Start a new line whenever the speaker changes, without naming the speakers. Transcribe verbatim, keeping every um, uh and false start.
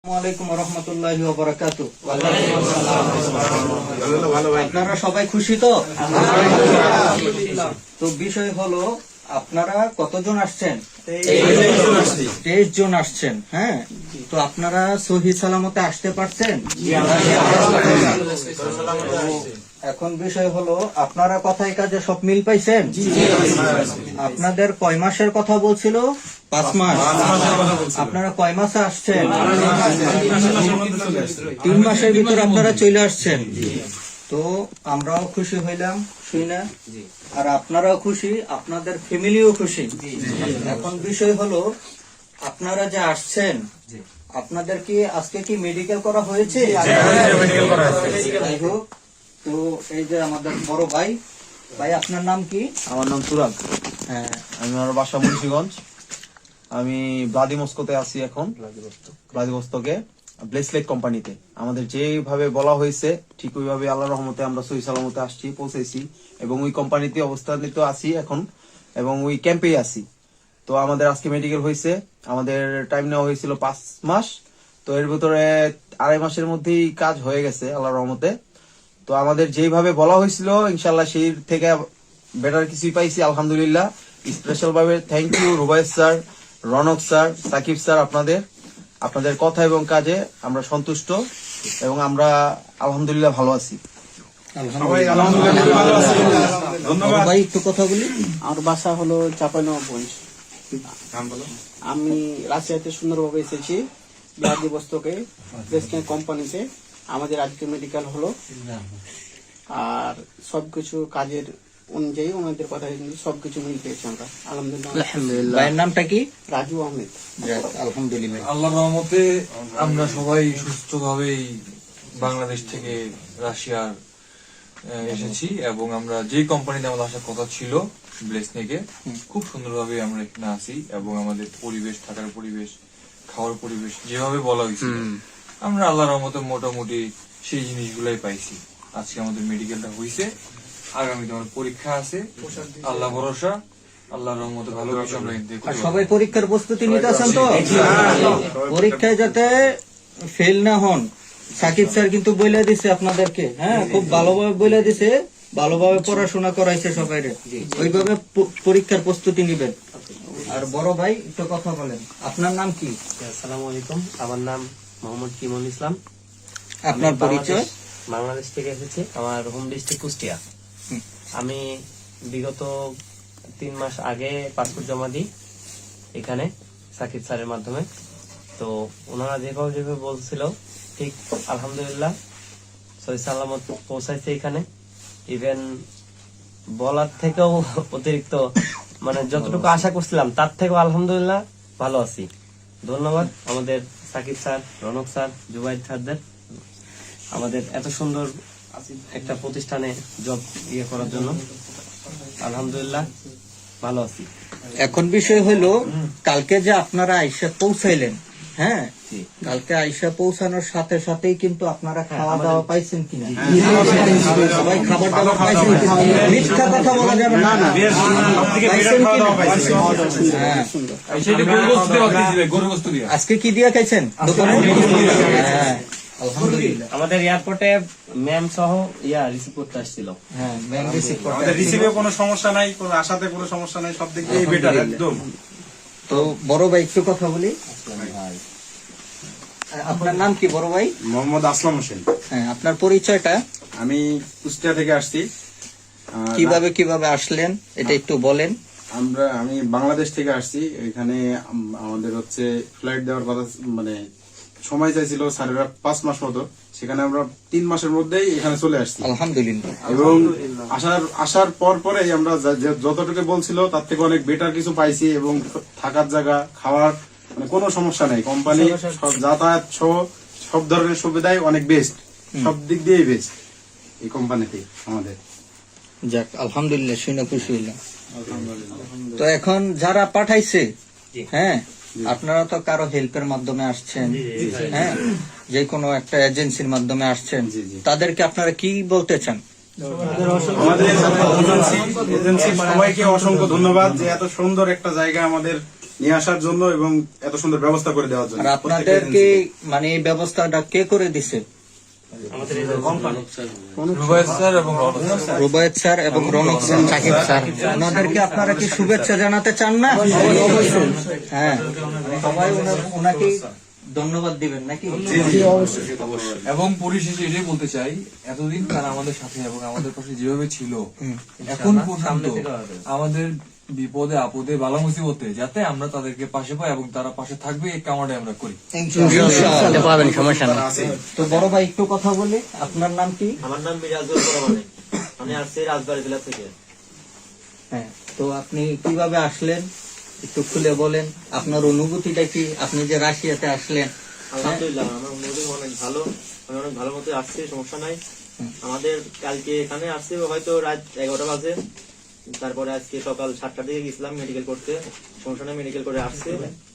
আপনারা সবাই খুশি তো? তো বিষয় হলো, আপনারা কতজন আসছেন? তেইশ জন আসছেন। হ্যাঁ, তো আপনারা সহি সালামতে আসতে পারছেন? এখন বিষয় হলো, আপনারা কথায় কাজে সব মিল পাইছেন? আপনাদের কয় মাসের কথা বলছিল? পাঁচ মাস। আপনারা কয় মাসে আসছেন? তিন মাসের ভিতর আপনারা চলে আসছেন। তো আমরাও খুশি হইলাম শুনে, আর আপনারাও খুশি, আপনাদের ফ্যামিলিও খুশি। এখন বিষয় হলো, আপনারা যে আসছেন, আপনাদের কি আজকে কি মেডিকেল করা হয়েছে? যাই হোক, তো এই যে আমাদের বড় ভাই, ভাই আপনার নাম কি?
আমার নাম তুরাগ।
হ্যাঁ,
আমি আমার বাসা মুন্সিগঞ্জ। আমি ভ্লাদিমস্কোতে আছি এখন, ভ্লাদিভস্তকে ব্লেসলেট কোম্পানিতে। আমাদের যেভাবে বলা হয়েছে ঠিক ওইভাবে আল্লাহর রহমতে আমরা সহি সালামতে আসছি, পৌঁছেছি, এবং ওই কোম্পানিতে অবস্থানিত আছি এখন, এবং ওই ক্যাম্পেই আছি। তো আমাদের আজকে মেডিকেল হয়েছে, আমাদের টাইম নেওয়া হয়েছিল পাঁচ মাস। তো এর ভিতরে আড়াই মাসের মধ্যেই কাজ হয়ে গেছে আল্লাহর রহমতে। তো আমাদের যেভাবে বলা হয়েছিল ইনশাল্লাহ সেই থেকে বেটার কিছুই পাইছি আলহামদুলিল্লাহ। স্পেশাল ভাবে thank you Rubais sir, Ronok sir, Sakib sir, আপনাদের আপনাদের কথা এবং কাজে আমরা সন্তুষ্ট, এবং আমরা আলহামদুলিল্লাহ ভালো আছি।
ধন্যবাদ ভাই। একটু কথা বলি।
আমার বাসা হলো চাঁপাইনবাবগঞ্জ। আমি রাজশাহীতে সুন্দরভাবে এসেছি, ভ্লাদিভস্তকে ব্লেসলেট কোম্পানিতে। আমাদের আজকে মেডিকেল হলো, আর সবকিছু কাজের অনুযায়ী ওনাদের কথা সবকিছু মিল পেয়েছি আমরা আলহামদুলিল্লাহ।
ভাইয়ের নামটা কি?
রাজু আহমেদ।
আলহামদুলিল্লাহ,
আল্লাহর রহমতে আমরা সবাই সুস্থভাবেই বাংলাদেশ থেকে রাশিয়ার এসেছি, এবং আমরা যে কোম্পানিতে আমাদের আসার কথা ছিল ব্লেসনেকে, খুব সুন্দরভাবে আমরা এখানে আছি, এবং আমাদের পরিবেশ, থাকার পরিবেশ, খাওয়ার পরিবেশ যেভাবে বলা হয়েছিল আমরা আল্লাহর রহমতে মোটামুটি সেই জিনিসগুলাই পাইছি। আজকে আমাদের মেডিকেলটা হয়েছে, আগামীতে আমার পরীক্ষা আছে, আল্লাহ ভরসা, আল্লাহর রহমতে ভালো কিছু আমরা দেখতে পাবো।
সবাই পরীক্ষার প্রস্তুতি নিতেছেন তো? পরীক্ষায় যাতে ফেল না হন, সাকিব স্যার কিন্তু বলে দিছে আপনাদেরকে। হ্যাঁ, খুব ভালোভাবে বলে দিছে, ভালোভাবে পড়াশোনা করাইছে সবাই, ওইভাবে পরীক্ষার প্রস্তুতি নিবেন। আর বড় ভাই একটু কথা বলেন, আপনার নাম কি?
আসসালামু আলাইকুম, আমার নাম মোহাম্মদ কিমল ইসলাম।
আপনার পরিচয়?
বাংলাদেশ থেকে এসেছি, আমার হোম ডিস্ট্রিক্ট কুষ্টিয়া। আমি বিগত তিন মাস আগে পাসপোর্ট জমা দিই এখানে সাকিব স্যারের মাধ্যমে। তো ওনারা যেভাবে যেভাবে বলছিল ঠিক আলহামদুলিল্লাহ সহি সালামত পৌঁছাইছে এখানে। ইভেন বলার থেকেও অতিরিক্ত, মানে যতটুকু আশা করছিলাম তার থেকেও আলহামদুলিল্লাহ ভালো আছি। ধন্যবাদ আমাদের সাকিব স্যার, রনক স্যার, জুবাইদ স্যারদের, আমাদের এত সুন্দর একটা প্রতিষ্ঠানে জব ইয়ে করার জন্য। আলহামদুলিল্লাহ ভালো আছি।
এখন বিষয় হলো, কালকে যে আপনারা আইসা পৌঁছাইলেন, হ্যাঁ, কালকে আইসা পৌঁছানোর সাথে সাথেই কিন্তু আপনারা খাওয়া দাওয়া পাইছেন কিনা? সবাই খাবার দাবার পাইছেন কিনা? মিথ্যা কথা বলা যাবে না। আজকে কি দিয়ে খাইছেন দোকানে? হ্যাঁ,
আমাদের এয়ারপোর্টে ম্যাম সহ ইয়া রিসিভ করতে আসছিল।
হ্যাঁ, ম্যাম রিসিভ করতে।
আমাদের রিসিভে কোনো সমস্যা নাই, কোনো আশাতে কোনো সমস্যা নাই, সব দিক দিয়ে বেটার একদম।
তো বড় ভাই একটু কথা বলি। আপনার নাম কি বড় ভাই?
মোহাম্মদ আসলাম হোসেন।
হ্যাঁ, আপনার পরিচয়টা?
আমি কুষ্টিয়া থেকে আসছি।
কিভাবে কিভাবে আসলেন এটা একটু বলেন।
আমরা আমি বাংলাদেশ থেকে আসছি। এখানে আম- আমাদের হচ্ছে ফ্লাইট দেওয়ার কথা, মানে সময় চাইছিল স্যারেরা পাঁচ মাস মতো, সেখানে আমরা তিন মাসের মধ্যেই এখানে চলে আসছি।
আলহামদুলিল্লাহ।
এবং আসার আসার পর পরে আমরা যা- যে- যতটুকু বলছিল তার থেকে অনেক বেটার কিছু পাইছি, এবং থাকার জায়গা, খাওয়ার মানে কোনো সমস্যা নেই। কোম্পানি সব যাতায়াত সহ সব ধরনের সুবিধাই অনেক বেস্ট, সব দিক দিয়েই বেস্ট এই কোম্পানিতে আমাদের।
যাক, আলহামদুলিল্লাহ, শুনে খুশি হইলাম। তো এখন যারা পাঠাইছে, হ্যাঁ, আপনারা তো কারো হেল্পের মাধ্যমে আসছেন, হ্যাঁ, যে কোনো একটা এজেন্সির মাধ্যমে আসছেন, তাদেরকে আপনারা কি বলতে চান?
আমাদের এজেন্সি এজেন্সির সবাইকে অসংখ্য ধন্যবাদ যে এত সুন্দর একটা জায়গা আমাদের নিয়ে আসার জন্য এবং এত সুন্দর ব্যবস্থা করে দেওয়ার জন্য।
আর আপনাদেরকে মানে এই ব্যবস্থাটা কে করে দিছে?
আমাদের এই যে কোম্পানি
রুবায়েত স্যার এবং রওনক স্যার।
রুবায়েত স্যার এবং রৌনক স্যার, সাকিব স্যার, ওনাদেরকে আপনারা কি শুভেচ্ছা জানাতে চান না? হ্যাঁ, সবাই ওনার- ওনাকে ধন্যবাদ দিবেন নাকি?
এবং পরিশেষে এটাই বলতে চাই, এতদিন তারা আমাদের সাথে এবং আমাদের পাশে যেভাবে ছিল, এখন পর্যন্ত আমাদের বিপদে আপদে বালা মুসিবতে যাতে আমরা তাদেরকে পাশে পাই এবং তারা পাশে থাকবে এই কামনাটাই আমরা করি।
ইনশাআল্লাহ। তো বড় ভাই একটু কথা বলি, আপনার নাম কি?
আমার নাম মিরাজুল রহমান, আমি আসছি রাজবাড়ী জেলা থেকে।
হ্যাঁ, তো আপনি কিভাবে আসলেন একটু খুলে বলেন, আপনার অনুভূতিটা কি? আপনি যে রাশিয়াতে আসলেন,
আলহামদুলিল্লাহ আমার অনুভূতি অনেক ভালো, আমি অনেক ভালো মতো আসছি, সমস্যা নাই। আমাদের কালকে এখানে আসছে হয়তো রাত এগারোটা বাজে, তারপরে আজকে সকাল সাতটার দিকে গেছিলাম মেডিকেল করতে, সমস্যা নাই, মেডিকেল করে আসছে।